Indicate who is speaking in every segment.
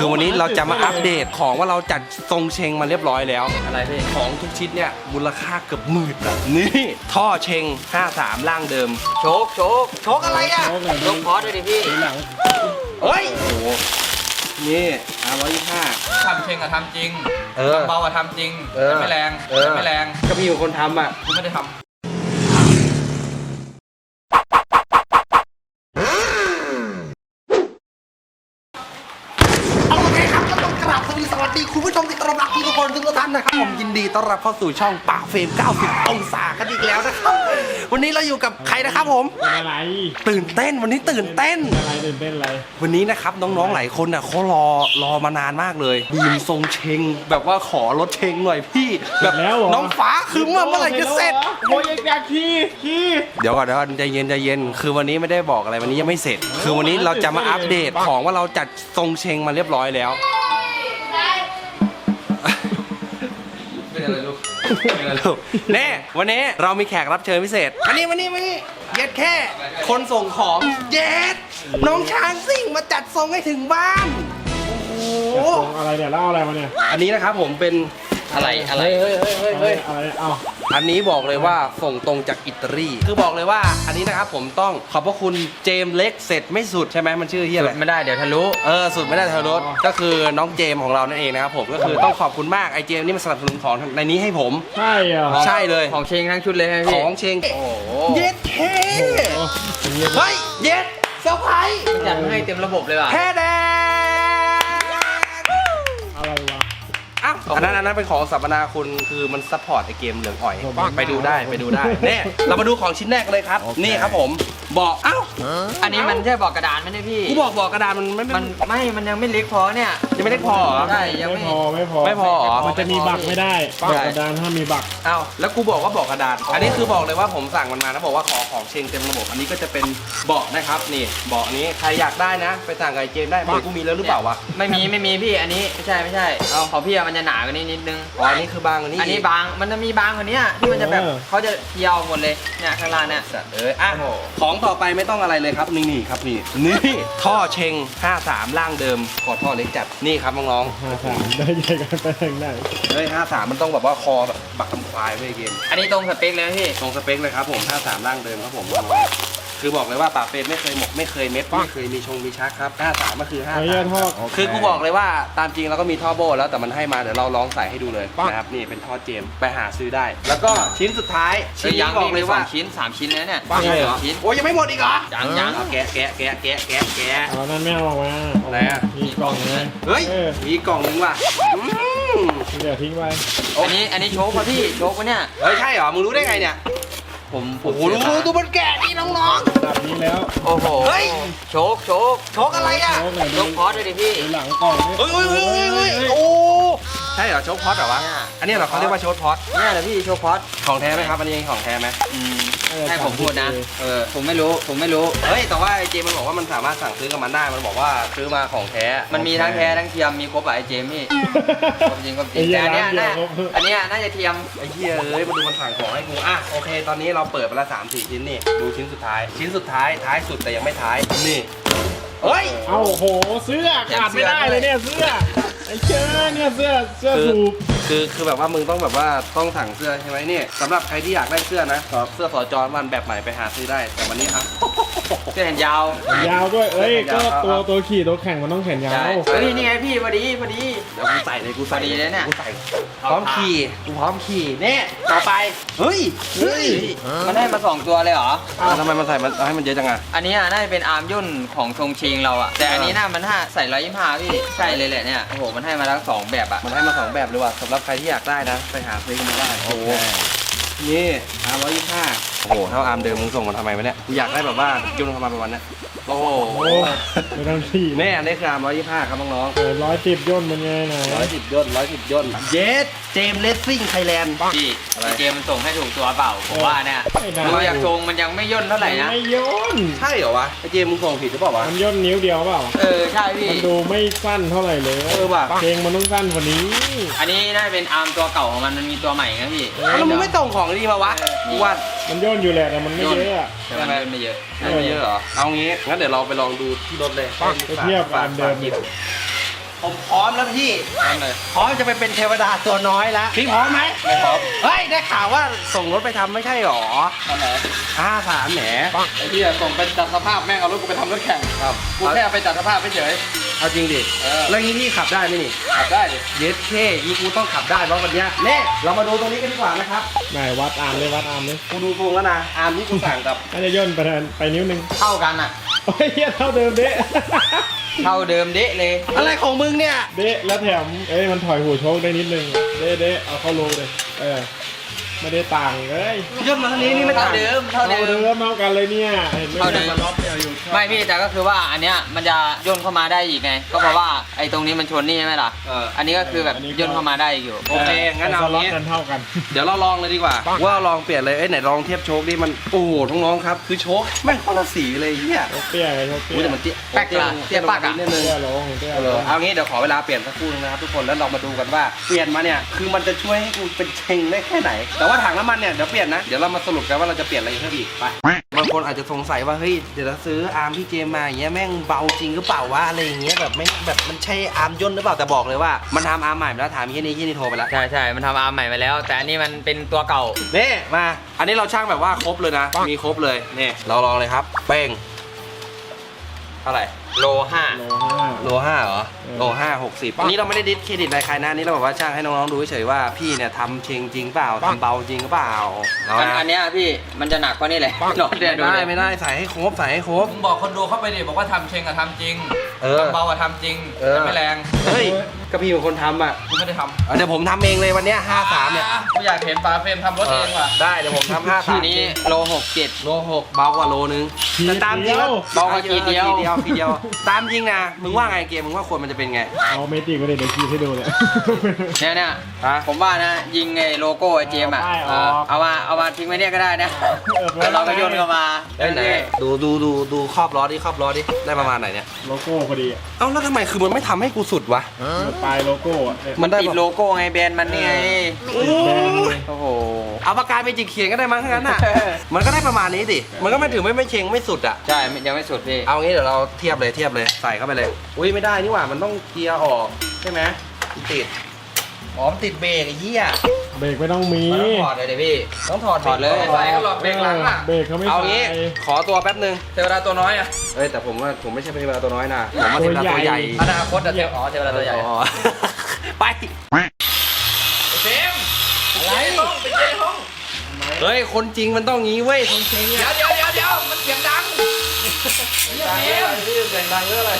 Speaker 1: คือวันนี้เราจะมาอัปเดตของว่าเราจัดทรงเชงมาเรียบร้อยแล้ว
Speaker 2: อะไรพี่
Speaker 1: ของทุกชิ้นเนี่ยมูลค่าเกือบหมื่นอ่ะนี่ท่อเชง53ร่างเดิม
Speaker 2: โชคอะไรอ่ะโชคพอสด้วยดิพี่
Speaker 1: เฮ้ยโอ้โหนี่125
Speaker 2: ทำเชงอะทำจริง
Speaker 1: ท
Speaker 2: ำเบาอะทำจริงแต่ไม่แรง
Speaker 1: ก็พี่อยู่คนทำอ่ะ
Speaker 2: กูไม่ได้ทำ
Speaker 1: สวัสดีคุณผู้ชมที่ต้อนรับทุกคนทุกท่านนะครับผมยินดีต้อนรับเข้าสู่ช่องป่าเฟรม90องศากันอีกแล้วนะครับวันนี้เราอยู่กับใครนะครับผม
Speaker 3: อะไร
Speaker 1: ตื่นเต้นวันนี้ตื่นเต้น
Speaker 3: อะไรตื่นเต้นอะไร
Speaker 1: วันนี้นะครับน้องๆหลายคนน่ะเขารอมานานมากเลยบีมทรงเชงแบบว่าขอรถเชงหน่อยพี่แบบน้องฟ้าคือเมื่อไหร่จะเสร็จ
Speaker 3: โอ้ยอยากขี่
Speaker 1: เดี๋ยวก่อนใจเย็นคือวันนี้ไม่ได้บอกอะไรวันนี้ยังไม่เสร็จคือวันนี้เราจะมาอัปเดตของว่าเราจัดทรงเชงมาเรียบร้อยแล้ว
Speaker 2: เป็นอะไรลูก
Speaker 1: แน่วันนี้เรามีแขกรับเชิญพิเศษมานี่เย็ดแค่คนส่งของเย็ดน้องช้างซิ่งมาจัดทรงให้ถึงบ้านโอ้โห
Speaker 3: อะไรเนี่ยเล่าอะไรมาเนี่ย
Speaker 1: อันนี้นะครับผมเป็น
Speaker 2: อะไร
Speaker 3: อะไรเอา
Speaker 1: อันนี้บอกเลยว่าส่งตรงจากอิตาลีคือบอกเลยว่าอันนี้นะครับผมต้องขอบพระคุณเจมเล็กเสร็จไม่สุดใช่ไหมมันชื่อเฮียอะไร
Speaker 2: ไม่ได้เดี๋ยวทะลุ
Speaker 1: สุดไม่ได้ทะลุก็คือน้องเจมของเรานั่นเองนะครับผมก็คือต้องขอบคุณมากไอเจมนี่มาสนับสนุนของในนี้ให้ผม
Speaker 3: ใช่เหรอ
Speaker 1: ใช่เลย
Speaker 2: ของเชงทั้งชุดเลยพี่
Speaker 1: ของเชง
Speaker 2: โอ้
Speaker 1: เย็ดเท่เฮ้ยเย็ดเซอร์ไพรส์
Speaker 2: จัดให้เต็มระบบเลยว่ะ
Speaker 1: แท้แด
Speaker 3: อะไรวะ
Speaker 1: อ้าวอันนั้นเป็นของสัมมนาคุณคือมันซัพพอร์ตไอเกมเหลืองอ่อยไปดูได้เนี่ยเรามาดูของชิ้นแรกเลยครับนี่ครับผมบอกอ้าว
Speaker 2: อันนี้มันใช่บอกกระดานไหมเนี่ยพี่
Speaker 1: กูบอกกระดานมัน
Speaker 2: มันยังไม่เล็กพอเนี่ย
Speaker 1: ยังไม่เล็กพอ
Speaker 2: ใช่ยัง
Speaker 3: ไม่พอมันจะมีบักไม่ได้บอกกระดานถ้ามีบัก
Speaker 1: อ้าวแล้วกูบอกว่าบอกกระดานอันนี้คือบอกเลยว่าผมสั่งมันมานะบอกว่าขอของเชงเต็มระบบอันนี้ก็จะเป็นเบาะนะครับนี่เบาะนี้ใครอยากได้นะไปสั่งกับไอเกมได้บอกกูมีแล้วหรือเปล่าวะ
Speaker 2: ไม่มีพี่อันนี้ไม่ใช่เอาของพี่มันจะหนากว่านี้นิดนึง
Speaker 1: อันนี้คือบางกว่านี้
Speaker 2: อันนี้บางมันจะมีบางกว่านี้ที่มันจะแบบเขาจะเยียวหมดเลยเนี่ยข้างล่างเนี่ย
Speaker 1: ของต่อไปไม่ต้องอะไรเลยครับนี่ครับนี่ท่อเชง53ร่างเดิมขอท่อเล็กจัดนี่ครับน้อง
Speaker 3: 53ได้ใหญ่กันไปทางไหน
Speaker 1: 53มันต้องแบบว่าคอแบบบักทำควายไว้เกม
Speaker 2: อันนี้ตรงสเปคเลยพี่
Speaker 1: ตรงสเปคเลยครับผม53ร่างเดิมครับผมคือบอกเลยว่าป่าเฟรมไม่เคยหมกไม่เคยเม็ดไม่เคยมีชักครับ53ก็คือ53คือกูบอกเลยว่าตามจริงเราก็มีท่อโบแล้วแต่มันให้มาเดี๋ยวเราลองใส่ให้ดูเลยนะครับนี่เป็นท่อเจมไปหาซื้อได้แล้วก็ชิ้นสุดท้ายชิ้นนี้บอกเลยว่า
Speaker 2: ชิ้น3ชิ้นแล้วเนี่ย
Speaker 1: ชิ้นโอ้ยังไม่หมดอีกเหรอ
Speaker 2: ยัง
Speaker 1: แกะ
Speaker 3: เอานั่นไม่เอาออกมา
Speaker 1: อะไรอ่ะ
Speaker 3: มีกล่องเลย
Speaker 1: เฮ้ยมีกล่องนึงว่ะ
Speaker 3: เดี๋ยวทิ้งไว้
Speaker 2: อันนี้โชคป่ะพี่โชคป่ะเนี่ย
Speaker 1: เฮ้ยใช่เหรอมึงรู้ได้ไงเนี่ย
Speaker 2: ผม
Speaker 1: โอ้โหดูมันแกะนี่น้อง
Speaker 3: ๆแบบนี้แล้ว
Speaker 2: โอ้โหเฮ้ยโชคอะไรอ่ะโชคพอสเลยดิพี่
Speaker 3: หลังกล่อง
Speaker 1: เฮ้ยโอ้ใช่เหรอโชคพอสเหรอวะอันนี้เหรอเขาเรียกว่าโชคพอส
Speaker 2: นี่แหละพี่โชคพอส
Speaker 1: ของแท้ไหมครับอันนี้ของแท้ไหม
Speaker 2: ให้ผมพูดนะผมไม่รู้
Speaker 1: เฮ้ยแต่ว่าไอเจมันบอกว่ามันสามารถสั่งซื้อกับมันได้มันบอกว่าซื้อมาของแท้
Speaker 2: มันมีทั้งแท้ทั้งเทียมมีครบไอเจมพี่จริงแต่อันนี้น่าจะเทียม
Speaker 1: ไอ้เหี้ยมาดูมันสั่งของให้กูโอเคตอนนี้เราเปิดไปละ3-4ชิ้นนี่ดูชิ้นสุดท้ายท้ายสุดแต่ยังไม่ท้ายนี่เฮ้ย
Speaker 3: เอาโหเสื้อขาดไม่ได้เลยเนี่ยเสื้อไอ้เจ้าเนี่ยเสื้อถูก
Speaker 1: คือแบบว่ามึงต้องแบบว่าต้องสั่งเสื้อใช่ไหมเนี่ยสำหรับใครที่อยากได้เสื้อนะเสื้อสจมันแบบใหม่ไปหาซื้อได้แต่วันนี้
Speaker 2: เสื้อแขนยาว
Speaker 3: ด้วยก็ตัวขี่ตัวแข่งมันต้องแขนยาว
Speaker 2: นี่ไงพี่พอดี
Speaker 1: เดี๋ยวกูใส่เลยกูใส่ดีเลยเนี่ยกูใส่พร้อมขี่เนี่ยต่อไปเฮ้ย
Speaker 2: มันให้มา2ตัวเลยเหรอ
Speaker 1: ทำไมมันใส่มันให้มันเยอะจัง
Speaker 2: อันนี้น่าจะเป็นอาร์มย่นของทรงเชงเราแต่อันนี้น่ามันใส่125พี่ใช่เลยแหละเนี่ยโอ้โหมันให้มาทั้ง2แบบ
Speaker 1: มันให้มา2แบบเลยว่ะสำหรับใครที่อยากได้นะไปหาซื้อกันได้โอ้โหนี่125โอ้โหเท่าอาร์มเดิมมึงส่งมาทำไมวะเนี่ยกูอยากได้แบบว่ายุ่งทำมาประมาณนี้โอ้โห
Speaker 3: ไม่ต้องขี่
Speaker 1: แน่นี่คืออาร์ม125ครับน้อง
Speaker 3: 110ย่นมันไงนะ
Speaker 1: 110ย่นเยสเจมเลสซิ่งไทยแลนด์
Speaker 2: พี่เจมมันส่งให้ถูกตัวเปล่าผมว่าเนี่ยดูอยากทรงมันยังไม่ย่นเท่าไหร่นะ
Speaker 3: ไม่ย่น
Speaker 1: ใช่เหรอวะไอเจมมึงส่งผิดหรือเปล่าวะ
Speaker 3: มันย่นนิ้วเดียวเปล่า
Speaker 2: ใช่พี่
Speaker 3: มันดูไม่สั้นเท่าไหร่เลย
Speaker 1: ว่ะ
Speaker 3: เพลงมันต้องสั้นกว่านี้
Speaker 2: อันนี้น่าเป็นอาร์มตัวเก่าของมันมีตัวใหม่นะพี่
Speaker 1: แล้วมึงไม่ส่งของดีมาวะว่า
Speaker 3: มันย่นอยู่แหละแต่มันไม่เยอะ
Speaker 2: แต่มันไม่เยอะ
Speaker 1: เหรอเอางี้งั้นเดี๋ยวเราไปลองดูที่รถเลย
Speaker 3: เทียบกันเดิม
Speaker 1: ผมพร้อมแล้วพี่ พร้อมจะไปเป็นเทวดาตัวน้อยแล้วพี่พร้อมไหม
Speaker 2: ไม่พร้อม
Speaker 1: เฮ้ยได้ข่าวว่าส่งรถไปทำไม่ใช่หรอ
Speaker 3: ตอนไหน
Speaker 1: 53แหม
Speaker 3: ไอ้ที่ส่งไปจัดสภาพแม่งเอารถกูไปทำรถแข่ง
Speaker 1: ครับ
Speaker 3: กูแค่ไปจัดสภาพเฉย
Speaker 1: เอาจริงดิ แล้วงี้พี่ขับได้ไหมนี่
Speaker 3: ขับได้ดิ
Speaker 1: เย็ดเคยี่กูต้องขับได้เพราะวันเนี้ยเน่เรามาดูตรงนี้กันดีกว่านะครับ
Speaker 3: ไหนวัดอาร์มเลยวัดอาร์มเลย
Speaker 1: กูดูทรงแล้วนะอาร์มที่กูสั่งกับ
Speaker 3: น่าจะย่นไปนิ้วนึง
Speaker 2: เท่ากันอ่ะ
Speaker 3: โอ้ยเหี้ยเท่าเดิมเดะ
Speaker 2: เท่าเดิมเดะเลย
Speaker 1: อะไรของมึงเนี่ย
Speaker 3: เดะแล้วแถมมันถอยหัวโชคได้นิดนึงเดะเอาเข้าโลเลยไม่ได้ต่างเลย
Speaker 1: ย่นมาทางนี้นี่ไม่
Speaker 2: เท่า
Speaker 1: ต่าง
Speaker 2: เดิมเท่า
Speaker 3: เท่า
Speaker 2: เดิ
Speaker 3: เดิ
Speaker 2: ม
Speaker 3: มเท่ากันเลยเนี่ยเห็นไหม
Speaker 2: เท่าเดิม
Speaker 3: มันล็อกเนี่ยอยู่
Speaker 2: ไม่พี่แต่ก็คือว่าอันเนี้ยมันจะย่นเข้ามาได้อีกไง ก็เพราะว่าไอ้ตรงนี้มันชนนี่ใช่ไหมล่ะ อันนี้ก็คือแบบย่นเข้ามาได้อยู่
Speaker 1: โอเคงั้นเอา
Speaker 3: ล็อก
Speaker 1: งี้
Speaker 3: กันเท่ากัน
Speaker 1: เดี๋ยวเราลองเลยดีกว่า ว่าลองเปลี่ยนเลยไหนลองเทียบโชคดิมันโอ้โหน้องๆครับคือโชคแม่งคนละสีเลยเฮีย
Speaker 3: โชคเตี้ยไงโชคเตี้
Speaker 1: อุ้ย
Speaker 3: ย
Speaker 1: แต่มันเตี้ย
Speaker 2: แป๊กละเตี้ยปักอะ
Speaker 1: นิดนึง
Speaker 3: เตี้ยลงเตี้ยลง
Speaker 1: เอางี้เดี๋ยวขอเวลาเปลี่ยนสักครู่นึงนะครับทุกคนแล้วเรามาดูกันว่าเปลี่ยนมาเนี่ยคือมันจะช่วยให้กูเป็นเชงได้แค่ไหน แต่ว่าถังน้ำมันเนี่ยเดี๋ยวเปลี่ยนนะเดี๋ยวเรามาสรุปกันว่าเราจะเปลี่ยนอะไรเพิ่มอีกไปบางคนอาจจะสงสัยว่าเฮ้ยเดี๋ยวเราซื้ออาร์มพี่เจมมาอย่างเงี้ยแม่งเบาจริงหรือเปล่าวะอะไรอย่างเงี้ยแบบไม่แบบมันใช่อาร์มย่นหรือเปล่าแต่บอกเลยว่ามันทำอาร์มใหม่มาแล้วถามยี่นี่โทรไปแล้ว
Speaker 2: ใช่ใช่มันทำอาร์มใหม่มาแล้ว แต่อันนี้มันเป็นตัวเก่า
Speaker 1: นี่มาอันนี้เราช่างแบบว่าครบเลยนะมีครบเลยนี่เราลองเลยครับเป้งเท่าไหร่
Speaker 2: โลห้า
Speaker 3: โลห้า
Speaker 1: โลห้าเหรอโลห้า60อันนี้เราไม่ได้ดิสเครดิตอะไรใครนะอันนี่เราแบบว่าช่างให้น้องๆดูเฉยๆว่าพี่เนี่ยทำเชงจริงเปล่าทำเบาจริงหรือเปล่าเอานะ
Speaker 2: อันเนี้ยพี่มันจะหนักกว่านี่เลยลองเดี๋ยวดู
Speaker 1: ไม่
Speaker 2: เล
Speaker 1: ได้
Speaker 2: ย
Speaker 1: ไม่ได้ใส่ให้ครบใส่ให้ครบ
Speaker 4: มึงบอกคนดูเข้าไปดิบอกว่าทำเชงอะทำจริง
Speaker 1: เออ
Speaker 4: ทำเบาอะทำจริง
Speaker 1: เออ
Speaker 4: แต่ไม่แรง
Speaker 1: เฮ้ยก็พี่เป็นคนทำอ่ะ
Speaker 4: กูไม่ได้ท
Speaker 1: เดี๋ยวผมทำเองเลยวันเนี้ย
Speaker 4: ำ
Speaker 1: 53เนี่ย
Speaker 4: กูอยากเห็นฝาเฟรมทำรถเองว่ะ
Speaker 1: ได้เดี๋ยวผมทำ
Speaker 2: อัน
Speaker 1: 53
Speaker 2: นี้โล67
Speaker 1: โล6เบากว่าโลนึงแต่ตามจริงแล้ว
Speaker 2: เบากว่าขีดเดียว
Speaker 1: ขีดเดียวตามจริงนะมึงว่าไงเกมมึงว่าควรมันจะเป็นไง
Speaker 3: เอาเมจิกไปเลยเดี๋ยวคีย์ให้ดูเลย
Speaker 2: เนี่ย
Speaker 1: ฮะ
Speaker 2: ผมว่านะยิงไอ้โลโก้ไอ้เจมส์อ่ะ
Speaker 3: เอาป้ายออก
Speaker 2: เอามาทิ้งไว้เนี่ยก็ได้นะแล้วเราก็โยนเข้ามา
Speaker 1: ได้ไหนดูครอบล้อดิครอบล้อดิได้ประมาณไหนเนี่ย
Speaker 3: โลโก้พอดี
Speaker 1: เอ้าแล้วทำไมคือมันไม่ทำให้กูสุดวะ
Speaker 3: ปลายโลโก้อะเนี่ย
Speaker 1: มันได้
Speaker 2: ติด
Speaker 1: ปะ
Speaker 2: โลโก้ไงแบรนด์มันนี่ไง
Speaker 1: โอ้ย
Speaker 2: โอ้โห
Speaker 1: เอาปากกาไปจิกเขียนก็ได้มั้งทั้งนั้นอ่ะ มันก็ได้ประมาณนี้ดิมันก็ไม่ถือไม่เชงไม่สุดอ่ะ
Speaker 2: ใช่ยังไม่สุดพี่
Speaker 1: เอางี้เดี๋ยวเราเทียบเลยใส่เข้าไปเลยอุ้ยไม่ได้นี่หว่ามันต้องเกียร์ออกใช่ไหมติดอ๋อมันติดเบรกไอ้เหี้ย
Speaker 3: เบรกไม่ต้องมี
Speaker 2: มันต้องถอดเลยดิพี่
Speaker 1: ต้องถอด
Speaker 2: ถอดเลย
Speaker 1: บรก
Speaker 4: ใส่ก็หลอกเบรกหลังอะ
Speaker 3: เบรกเขาไม่
Speaker 1: เอา
Speaker 3: ใส่
Speaker 1: งี้ขอตัวแป๊บนึง
Speaker 4: เทวดาตัวน้อยอะ
Speaker 1: เอ้ยแต่ผมว่าผมไม่ใช่เป็นเวลาตัวน้อยนะผมว่าเป็นเวลาตัวใหญ่
Speaker 4: อนาคตอะเทวดาตัวใหญ่
Speaker 1: อ๋อ ไป
Speaker 4: เฟรมอะไรห้องไปเจห้อง
Speaker 1: เฮ้ยคนจริงมันต้องงี้เว้ยคนจริง
Speaker 4: เดี๋
Speaker 1: อ่ะ
Speaker 4: ยวมันเสียงดังเดี๋ยวเฟรม
Speaker 1: เสียงดังเรื่องอะไร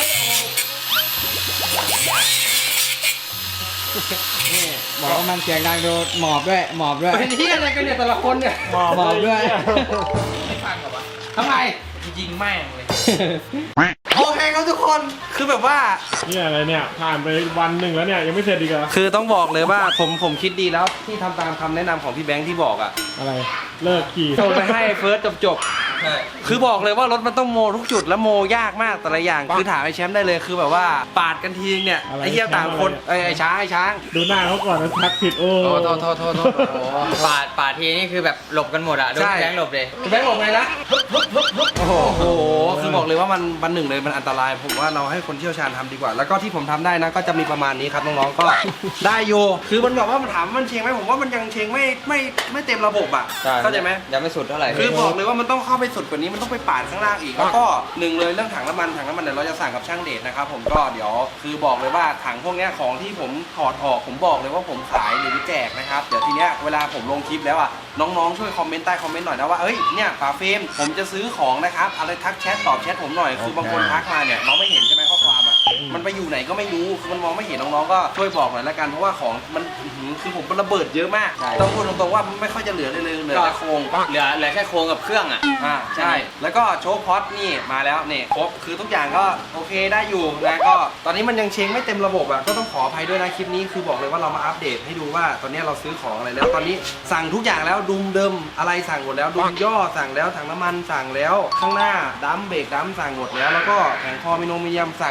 Speaker 5: บอกว่ามันเสียงดังโดนหมอบด้วย
Speaker 1: เป็นที่อะไรกันเนี่ยแต่ละคนเนี่ย
Speaker 3: หมอบ
Speaker 5: หมอบด้วย
Speaker 4: ไม่ฟังหรอวะ
Speaker 1: ทำไม
Speaker 4: ยิงแม่งเลย
Speaker 1: โอเคครับทุกคนคือแบบว่า
Speaker 3: เนี่ยอะไรเนี่ยผ่านไปวันหนึ่งแล้วเนี่ยยังไม่เสร็จอีกเหรอ
Speaker 1: คือต้องบอกเลยว่าผมคิดดีแล้วที่ทำตามคำแนะนำของพี่แบงค์ที่บอกอ่ะ
Speaker 3: อะไรเลิกขี่
Speaker 1: ส่งไปให้เฟิร์สจบ
Speaker 4: ใช่
Speaker 1: คือบอกเลยว่ารถมันต้องโมทุกจุดแล้วโมยากมากแต่ละอย่างคือถามไอ้แชมป์ได้เลยคือแบบว่าปาดกันทีเนี่ยไอ้เหี้ยต่างคนไอ้ช้าง
Speaker 3: ดูหน้าเขาก่อนนะทักผิดโอ้
Speaker 1: โทษ
Speaker 2: ปาดทีนี่คือแบบหลบกันหมดอะโดน
Speaker 1: ใช่
Speaker 2: แบงค์หลบเลย
Speaker 1: แบงค์บอกไงนะโอ้โหคือบอกเลยว่ามันหนึ่งเลยมันอันตรายผมว่าเราให้คนเชี่ยวชาญทำดีกว่า แล้วก็ที่ผมทำได้นะก็จะมีประมาณนี้ครับน้องๆก็ ได้อยู่คือมันแบบว่ามันถามว่ามันเชงไหมผมว่ามันยังเชงไม่เต็มระบบอ่ะเข้าใจไหม
Speaker 2: ยังไม่สุดเท่าไหร่
Speaker 1: คือบอกเลยว่ามันต้องเข้าไปสุดกว่านี้มันต้องไปปาดข้างล่างอีกแล้วก็หนึ่งเลยเรื่องถังน้ำมันเดี๋ยวเราจะสั่งกับช่างเดชนะครับผมก็เดี๋ยวคือบอกเลยว่าถังพวกเนี้ยของที่ผมถอดออกผมบอกเลยว่าผมขายหรือแจกนะครับเดี๋ยวทีเนี้ยเวลาผมลงคลิปแล้วอ่ะน้องๆช่วยคอมเมนต์ใต้คอมเมนต์หน่อยนะว่าเอ้ยเนี่ยฝาเฟรมผมจะซื้อของนะครับอะไรทักแชทตอบแชทผมหน่อยคือบางคนทักมาเนี่ยเราไม่เห็นใช่ไหมข้อความอ่ะมันไปอยู่ไหนก็ไม่รู้คือมันมองไม่เห็นน้องๆก็ช่วยบอกหน่อยละกันเพราะว่าของมันคือผมมันระเบิดเยอะมากต้องพูดตรงๆว่าไม่ค่อยจะเหลือเลยเหลือแต่โครง
Speaker 2: เหลือแค่โครงกับเครื่องอะ
Speaker 1: ใช่ แล้วก็โชว์พอดนี่มาแล้วนี่ครบคือทุกอย่างก็โอเคได้อยู่นะก็ตอนนี้มันยังเชงไม่เต็มระบบอ่ะก็ต้องขออภัยด้วยนะคลิปนี้คือบอกเลยว่าเรามาอัปเดตให้ดูว่าตอนนี้เราซื้อของอะไรแล้วตอนนี้สั่งทุกอย่างแล้วดุมเดิมอะไรสั่งหมดแล้วดุมย่อสั่งแล้วถังน้ำมันสั่งแล้วข้างหน้าดัมเบรกดัมสั่งหมดแล้วแล้วก็แผงคอมิโนมิยมสั่งทุกอย่าง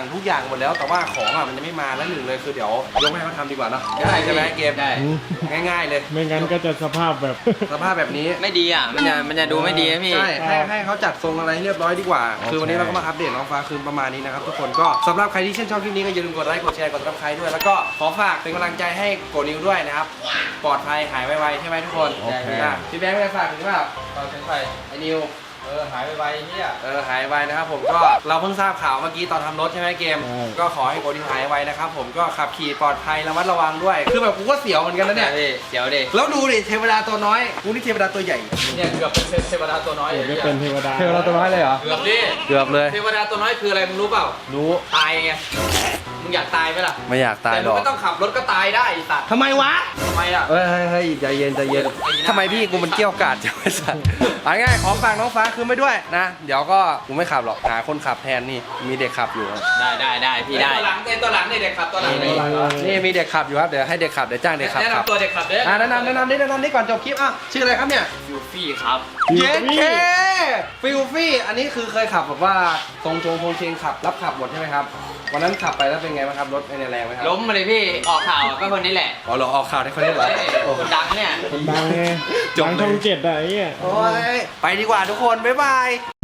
Speaker 1: หมดแล้วแต่ว่าของอ่ะมันยังไม่มาแล้วหนึ่งเลยคือเดี๋ยวยกให้เขาทำดีกว่าเนาะได้ใช่ไหมเกม
Speaker 2: ได้
Speaker 1: ง่ายๆเลย
Speaker 3: ไม่งั้นก็จะสภาพแบบ
Speaker 1: สภาพแบบนี้
Speaker 2: ไม่ดีอ่ะมันจะดูไม่ดีนะพี่
Speaker 1: ใช่ให้เขาจัดทรงอะไรให้เรียบร้อยดีกว่า คือวันนี้เราก็มาอัปเดตน้องฟ้าคืนประมาณนี้นะครับทุกคนก็สำหรับใครที่ชื่นชอบคลิปนี้ก็อย่าลืมกดไลค์กดแชร์กดติดตามด้วยแล้วก็ขอฝากเป็นกำลังใจให้โกนิวด้วยนะครับปลอดภัยหายไวๆใช่ไหมทุกคน
Speaker 3: โอเค
Speaker 1: พี่แบงค์จะฝากถึงเปล่า
Speaker 4: ตอนเช้าไป
Speaker 1: ไอ้นิว
Speaker 4: หายไปเนี่ย
Speaker 1: หายไวนะครับผมก็เราเพิ่งทราบข่าวเมื่อกี้ตอนทำรถใช่ไหมเกม ก็ขอให้โกนิวหายไวนะครับผมก็ขับขี่ปลอดภัยระมัดระวังด้วย คือแบบกูก็เสียวเหมือนกันนะเนี่ย
Speaker 2: เดี๋ยวดิ
Speaker 1: แล้วดูดิเทวดาตัวน้อยกูนี่เทวดาตัวใหญ่
Speaker 4: เนี่ยเกือบเป็นเทวดาตัวน้อย
Speaker 3: เดี๋ยวก็เป็นเทวดา
Speaker 1: เทวดาตัวน้อยเลยเหรอ
Speaker 4: เกือบดิ
Speaker 1: เกือบเลย
Speaker 4: เทวดาตัวน้อยคืออะไรมึงรู้เปล่า
Speaker 1: รู้
Speaker 4: ตายไงมึงอยากตายไหมล่ะ
Speaker 1: ไม่อยากตาย
Speaker 4: แต่
Speaker 1: หร
Speaker 4: มึง
Speaker 1: อก
Speaker 4: ไม่ต้องขับรถก็ตายได้ไอ้สัตว์
Speaker 1: ทำไมวะ
Speaker 4: ทำไมอ่ะ
Speaker 1: เฮ้ยใจเย็นทำไมพี่กูมันเกี้ยวกาดจังไอ้สัตว์เอาง่ายๆขอฝากน้องฟ้าคืนไปด้วยนะ เดี๋ยวก็กูไม่ขับหรอกหาคนขับแทนนี่มีเด็กขับอยู่ครับ
Speaker 2: ได้พี่ได้
Speaker 4: ตัวหลังตัวหลังนี่เด็กขับตัวหลังนี่
Speaker 1: นี่มีเด็กขับอยู่ครับเดี๋ยวให้เด็กขับเดี๋ยวจ้างเด็กขับ
Speaker 4: แนะ
Speaker 1: ครับ
Speaker 4: นำตัวเด็กขับเด้อ
Speaker 1: แนะนำนี่ก่อนจบคลิปอ่ะชื่ออะไรครับเนี่ย
Speaker 2: ยูฟี่ครับ
Speaker 1: เย็นเคฟิลฟี่อันนี้คือเคยขับแบบว่าทรงโครงเชงขับรับขับหมดใช่ไหมครับวันนั้นขับไปแล้วเป็นไงบ้างครับรถเป็นแรงไหมครับ
Speaker 2: ล้มมาเลยพี่ออกข่าวก็คนนี้แหละ
Speaker 1: อ๋อเหรอออกข่าวได้คนนี้เหรอโอ้
Speaker 2: คนดังเนี่ย
Speaker 3: คนดังไง
Speaker 1: จบ
Speaker 3: ดัง
Speaker 1: เลย
Speaker 3: ช่อง7อะไอ้เหี้ย
Speaker 1: โอ้ยไปดีกว่าทุกคนบ๊ายบาย